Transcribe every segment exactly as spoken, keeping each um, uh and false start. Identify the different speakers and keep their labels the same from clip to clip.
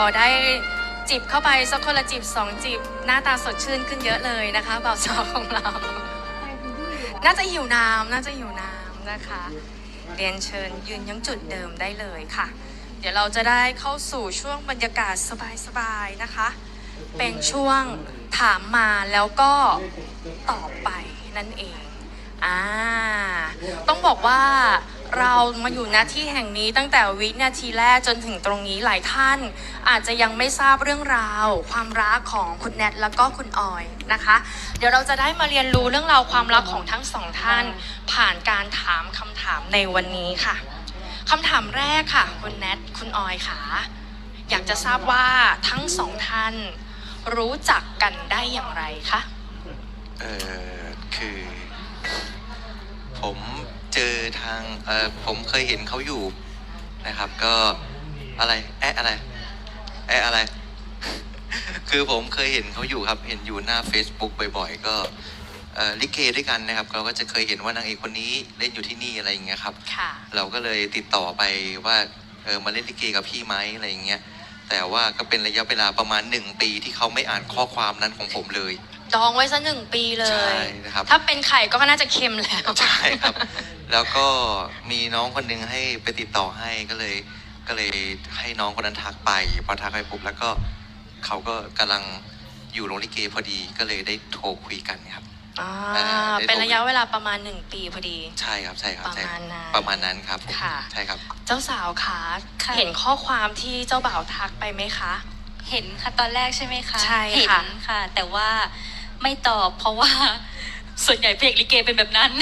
Speaker 1: อได้จิบเข้าไปสักคนละจิบสองจิบหน้าตาสดชื่นขึ้นเยอะเลยนะคะบ่าวสาวของเรา น่าจะหิวน้ำน่าจะหิวน้ำนะคะเรียนเชิญยืนยังจุดเดิมได้เลยค่ะเดี๋ยวเราจะได้เข้าสู่ช่วงบรรยากาศสบายๆนะคะเป็นช่วงถามมาแล้วก็ตอบไปนั่นเองอ่าต้องบอกว่าเรามาอยู่ณที่แห่งนี้ตั้งแต่วินาทีแรกจนถึงตรงนี้หลายท่านอาจจะยังไม่ทราบเรื่องราวความรักของคุณแนทแล้วก็คุณออยนะคะเดี๋ยวเราจะได้มาเรียนรู้เรื่องราวความรักของทั้งสองท่านผ่านการถามคำถามในวันนี้ค่ะคำถามแรกค่ะคุณแนทคุณออยค่ะอยากจะทราบว่าทั้งสองท่านรู้จักกันได้อย่างไรคะ
Speaker 2: เออคือผมเจอทางเออผมเคยเห็นเขาอยู่นะครับก็อะไรแอะอะไรแอะอะไร คือผมเคยเห็นเขาอยู่ครับเห็นอยู่หน้า Facebook บ่อยๆก็เอ่อลิเกด้วยกันนะครับเราก็จะเคยเห็นว่านางเอกคนนี้เล่นอยู่ที่นี่อะไรอย่างเงี้ยครับเราก็เลยติดต่อไปว่าเออมาเล่นลิเกกับพี่ไหมอะไรอย่างเงี้ยแต่ว่าก็เป็นระยะเวลาประมาณหนึ่งปีที่เขาไม่อ่านข้อความนั้นของผมเลย
Speaker 1: ดองไว้ซะหนึ่งปีเลย
Speaker 2: ใช่นะครับ
Speaker 1: ถ้าเป็นไข่ก็น่าจะเค็มแล้ว
Speaker 2: ใช่ครับแล้วก็มีน้องคนนึงให้ไปติดต่อให้ก็เลยก็เลยให้น้องคนนั้นทักไปพอทักไปปุ๊บแล้วก็เขาก็กำลังอยู่โรงลิเกพอดีก็เลยได้โทรคุยกันครับ
Speaker 1: อ่าเป็นระยะเวลาประมาณหนึ่งปีพอดี
Speaker 2: ใช่ครับใช่ครับ
Speaker 1: ประมาณนั้น
Speaker 2: ประมาณนั้นครับ
Speaker 1: ค่ะ
Speaker 2: ใช่ครับ
Speaker 1: เจ้าสาวคะเห็นข้อความที่เจ้าบ่าวทักไปไหมคะ
Speaker 3: เห็นค่ะตอนแรกใช่ไหมคะ
Speaker 1: ใช่ค่ะ
Speaker 3: เห็นค่ะแต่ว่าไม่ตอบเพราะว่าส่วนใหญ่เพลงลิเกเป็นแบบนั้น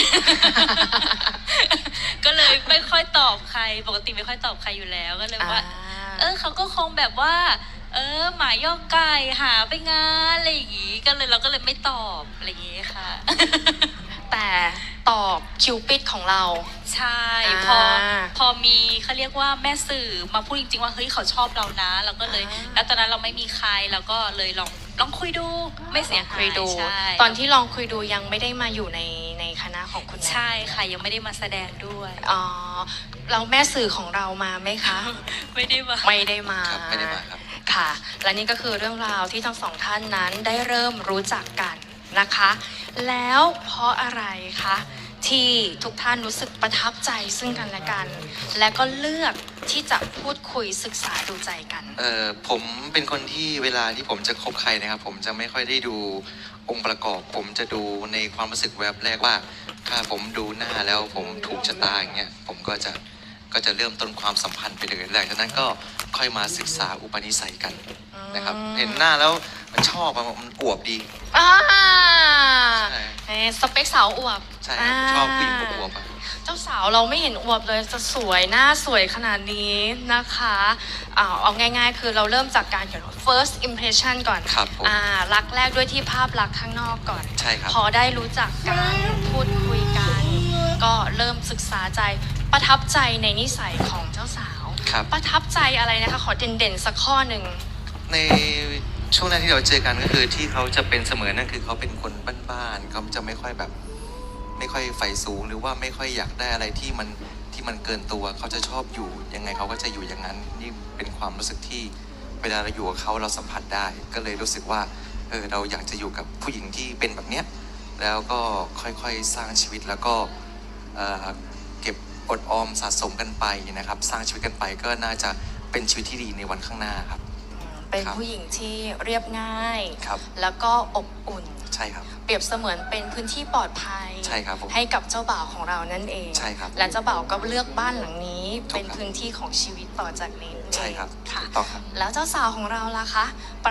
Speaker 3: ก็เลยไม่ค่อยตอบใครปกติไม่ค่อยตอบใครอยู่แล้วก็เลยว่าเออเขาก็คงแบบว่าเออหมายย่อไก่หาไปงานอะไรอย่างงี้ก็เลยเราก็เลยไม่ตอบอะไรอย่างงี้ค่ะ
Speaker 1: แต่ตอบคิวปิดของเรา
Speaker 3: ใช่พอพอมีเขาเรียกว่าแม่สื่อมาพูดจริงๆว่าเฮ้ยเขาชอบเรานะเราก็เลยแล้วตอนนั้นเราไม่มีใครเราก็เลยลองลองคุยดูไม่เสียหาย
Speaker 1: ดูตอนที่ลองคุยดูยังไม่ได้มาอยู่ในในคณะของคุณ
Speaker 3: ใช่ค่ะยังไม่ได้มาแสดงด้วย
Speaker 1: อ๋อเราแม่สื่อของเรามาไหมคะ
Speaker 3: ไม่ได้มา
Speaker 1: ไม่ได้มา
Speaker 2: ไม่ได้มาครับ
Speaker 1: ค่ะและนี่ก็คือเรื่องราวที่ทั้งสองท่านนั้นได้เริ่มรู้จักกันนะคะแล้วเพราะอะไรคะที่ทุกท่านรู้สึกประทับใจซึ่งกันและกันและก็เลือกที่จะพูดคุยศึกษาดูใจกัน
Speaker 2: เอ่อผมเป็นคนที่เวลาที่ผมจะคบใครนะครับผมจะไม่ค่อยได้ดูองค์ประกอบผมจะดูในความรู้สึกแวบแรกว่าถ้าผมดูหน้าแล้วผมถูกชะตาอย่างเงี้ยผมก็จะก็จะเริ่มต้นความสัมพันธ์ไปเลยหลังจากนั้นก็ค่อยมาศึกษาอุปนิสัยกันนะครับเห็นหน้าแล้วมันชอบมันอวบดี
Speaker 1: อ่าสเปคสาวอวบ
Speaker 2: ใช่ชอบผู้หญิงอวบ
Speaker 1: เจ้าสาวเราไม่เห็นอวบเลยจะสวยหน้าสวยขนาดนี้นะคะอ่าเอาง่ายๆคือเราเริ่มจากการเขียน first impression ก่อน
Speaker 2: ครับ
Speaker 1: อ่ารักแรกด้วยที่ภาพลักษณ์ข้างนอกก่อน
Speaker 2: ใช่ครับ
Speaker 1: พอได้รู้จักกันพูดคุยกันก็เริ่มศึกษาใจประทับใจในนิสัยของเจ้าสาวประทับใจอะไรนะคะขอเด่นๆสักข้อหนึ่ง
Speaker 2: ในช่วงแรกที่เราเจอกันก็คือที่เขาจะเป็นเสมอนั่นคือเขาเป็นคนบ้านๆเขาจะไม่ค่อยแบบไม่ค่อยใฝ่สูงหรือว่าไม่ค่อยอยากได้อะไรที่มันที่มันเกินตัวเขาจะชอบอยู่ยังไงเขาก็จะอยู่อย่างนั้นนี่เป็นความรู้สึกที่เวลาเราอยู่กับเขาเราสัมผัสได้ก็เลยรู้สึกว่าเออเราอยากจะอยู่กับผู้หญิงที่เป็นแบบเนี้ยแล้วก็ค่อยๆสร้างชีวิตแล้วก็เอ่อเก็บอดออมสะสมกันไปนะครับสร้างชีวิตกันไปก็น่าจะเป็นชีวิตที่ดีในวันข้างหน้าครับ
Speaker 1: เป็นผู้หญิงที่เรียบง่าย
Speaker 2: ครับ
Speaker 1: แล้วก็อบอุ่น
Speaker 2: ใช่ครับ
Speaker 1: เปรียบเสมือนเป็นพื้นที่ปลอดภัย
Speaker 2: ใช่ครับ
Speaker 1: ให้กับเจ้าบ่าวของเรานั่นเอง
Speaker 2: ใช่ครับ
Speaker 1: และเจ้าบ่าวก็เลือกบ้านหลังนี้เป็นพื้นที่ของชีวิตต่อจากนี้
Speaker 2: ใช่ครับ
Speaker 1: ค่ะ
Speaker 2: ต้องครับ
Speaker 1: แล้วเจ้าสาวของเราล่ะคะป